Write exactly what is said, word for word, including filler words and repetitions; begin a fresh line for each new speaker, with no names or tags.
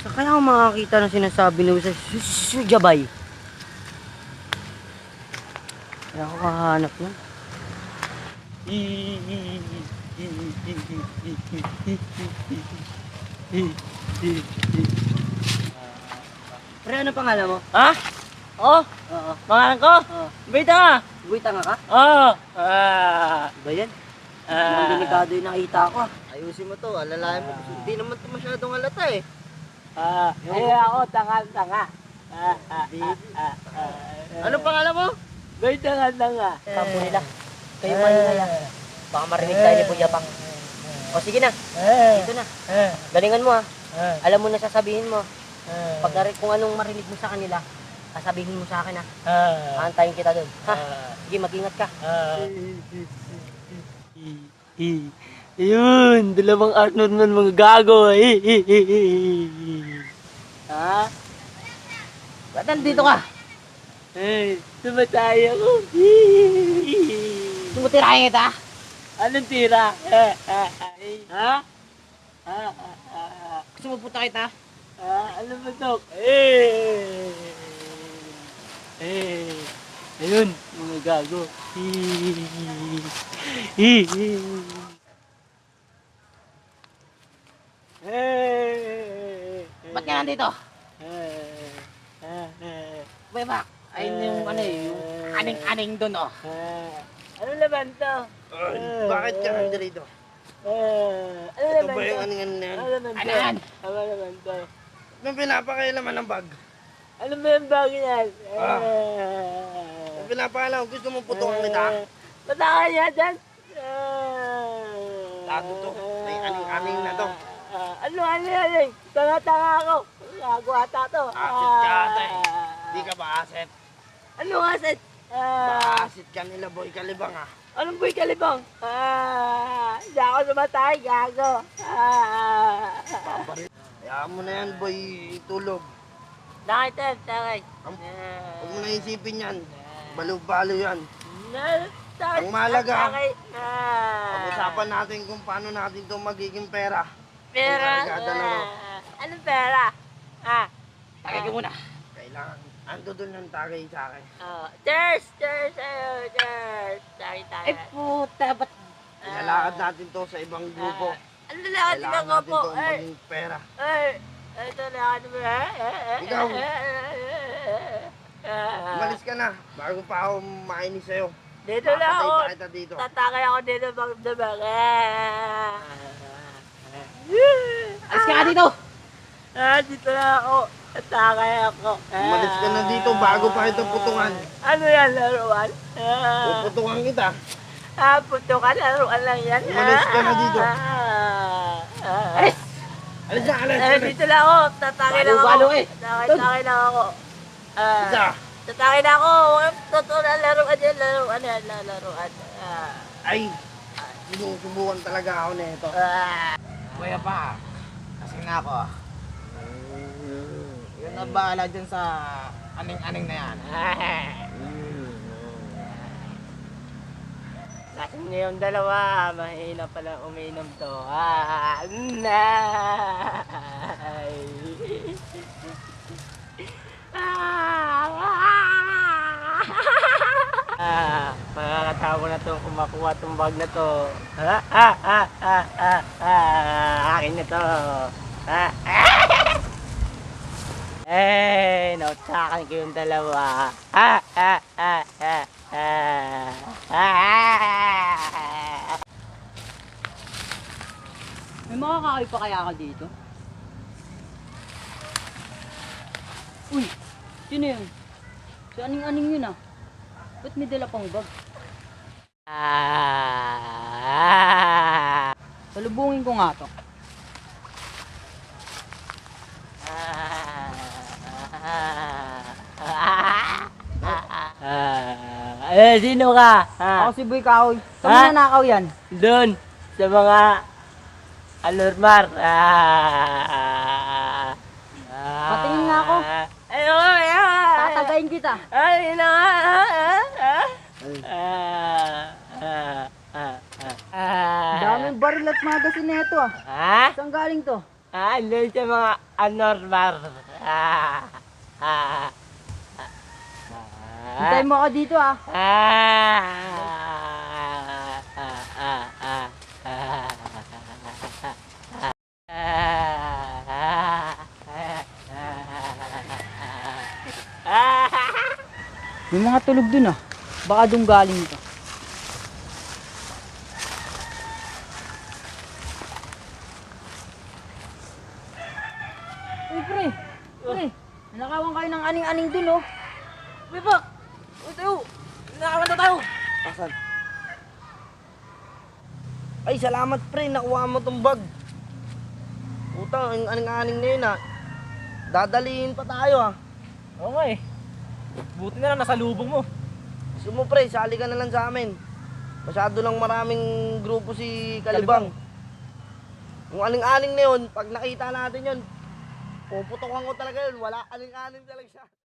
Sa kaya ako makakita ng sinasabi nila sa Sujabay. Kaya ako kahanap nun. Pre, ano pangalan mo?
Ha? Oh,
Oo.
pangalan ko?
Oo.
Bita nga.
Buwita nga ka?
Oo. Ah.
Ba yan?
Ah.
Mukhang delikado yung nakita ko ah.
Ayusin mo to, alalayan mo. Hindi naman to masyadong halata eh.
Ah. Eh ako, tanga-tanga. Ah, ah, ah, ah, ah.
Ano pangalan mo?
May tanga-tanga.
Kampo nila. Kayo maingay ah. Baka marinig tayo ni Kuya Bang. O sige na, dito na. Galingan mo ah. Alam mo na sasabihin mo. Pag nari- kung anong marinig mo sa kanila, sasabihin mo sa akin ah. Aantayin kita doon. Ha? Sige, mag-ingat ka.
Ayun, dalawang Arnold man mga gago.
Ha? Ba't nandito ka?
Eh, tumatay ako.
Tumutirahin kita?
Anong tira?
Ha?
Ah, ah, ah,
Gusto mo punta kita?
ah, ano ba to? Eh, eh, ayun, mga gago. Eh,
Ba't ka nandito?
eh, eh, eh,
Kuya Bang, ayun yung ano eh, yung aning-aning doon oh.
eh. Ano laban to?
Ay, bakit ka nandito?
Eh, ano
Ito
laban
ba yung
to?
aningan na yan?
Ano laban to?
Ano yan?
Ano laban to?
Anong pinapakailaman ng bag?
Ano ba yung bagay yan?
Ah.
Eh,
Anong pinapakailaman? Gusto mong putukan kita?
Patakan niya dyan!
Tago to. May aning-aning na to.
Ah, ano, ano, ano? Tanga-tanga ako. Gago ata to.
Asit ka ata eh. Hindi ka ba aset?
Ano aset? Ah,
Ba-asit ka nila boy kalibang ah.
anong boy kalibang? Ah, hindi ako sumatay, gago. Ah,
Hayaan mo na yan boy, tulog.
nakita, takay.
Ang- Huwag mo na isipin yan. Balo-balo yan.
Na, takay.
Ang mahalaga,
Takay. Ah,
Pag-usapan natin kung paano natin ito magiging pera.
pera.
Kargada na, no?
Ah, anong pera? Ah,
Tagay ka muna.
Kailangan, ando doon ng tagay sa akin.
oh, cheers, cheers, ayun, cheers. Takay, takay.
Ay puta, ba't
Ilalakad natin to sa ibang grupo.
Ano lakad
Kailangan
lang
natin
po?
to
Ay,
maging pera.
ay, ito lakad mo.
Ikaw.
Ah,
Umalis ka na, bago pa ako mainis sa'yo.
Dito lang
Papatay
ako.
pa kita dito.
Tatakay ako dito bang dabang.
alis ka nga dito?
Ah, dito lang ako. Tatakay ako.
Umalis ka na dito bago pa ito putungan.
Ano yan, laruan? Ah,
Puputungan kita.
ah putukan, laruan lang yan.
Umalis ka na dito.
Ah, ah,
Alis!
Alis na, alis,
Eh,
alis.
dito lang ako. Tatakay lang ako.
Balo-balo eh.
Tatakay,
Tol.
tatakay lang ako. Ah,
Isa.
tatakay na ako. Totoo na laruan yan, laruan yan, laruan. Ah,
Ay, sinusubukan talaga ako nito.
ah.
Kuya pa, kasi na ako. Yun na bahala dyan sa aning-aning na yan.
Lasing na yung dalawa, mahina pala uminom to. Ah, nay. Ah, makakatawa na to kumakuha tong bag na to. Ah, ah, ah, ah, ah, ah, akin na to. Ah, ah. Eh, nautakan ko yung dalawa. Ah, ah, ah, ah, ah, ah.
May makakakay pa kaya ka dito? Uy, sino yun? Si aning-aning yun ah. Ba't may dala pang bag?
Ah.
Salubungin ko nga to.
Ah, eh, sino ka? Ha?
Ako si Boy Kahoy. Saan
Ha?
mo nanakaw yan?
Doon, sa mga anormal. Ah.
Patingin nga ako.
Ay, oo, ay, ay.
Tatagayin kita.
Ay, na nga. Ah, ah, ah. Ah, ah, ah, ah.
Daming baril at magasin na ito ah.
Ha?
Saan galing to?
Ah, doon sa mga anormal. Ah, ah,
Hintayin mo ako dito ah.
ah, ah, ah, ah, ah.
May mga tulog dun ah. Baka doon galing ito. Uy pre, pre, nakawan kayo ng aning-aning dun oh.
Uy, Pak! Uy, tayo! Nakawan na tayo!
Asan? Ay, salamat pre, nakuha mo tong bag. Puta, ang aning-aning na yun ah. Dadalihin pa tayo ah.
Oo nga eh. Buti na lang nasa lubong mo.
Gusto mo pre, sali ka na lang sa amin. Masyado lang maraming grupo si Kalibang. Yung aning-aning na yun, pag nakita natin yun, puputokan ko talaga yun. Wala aning-aning talaga siya.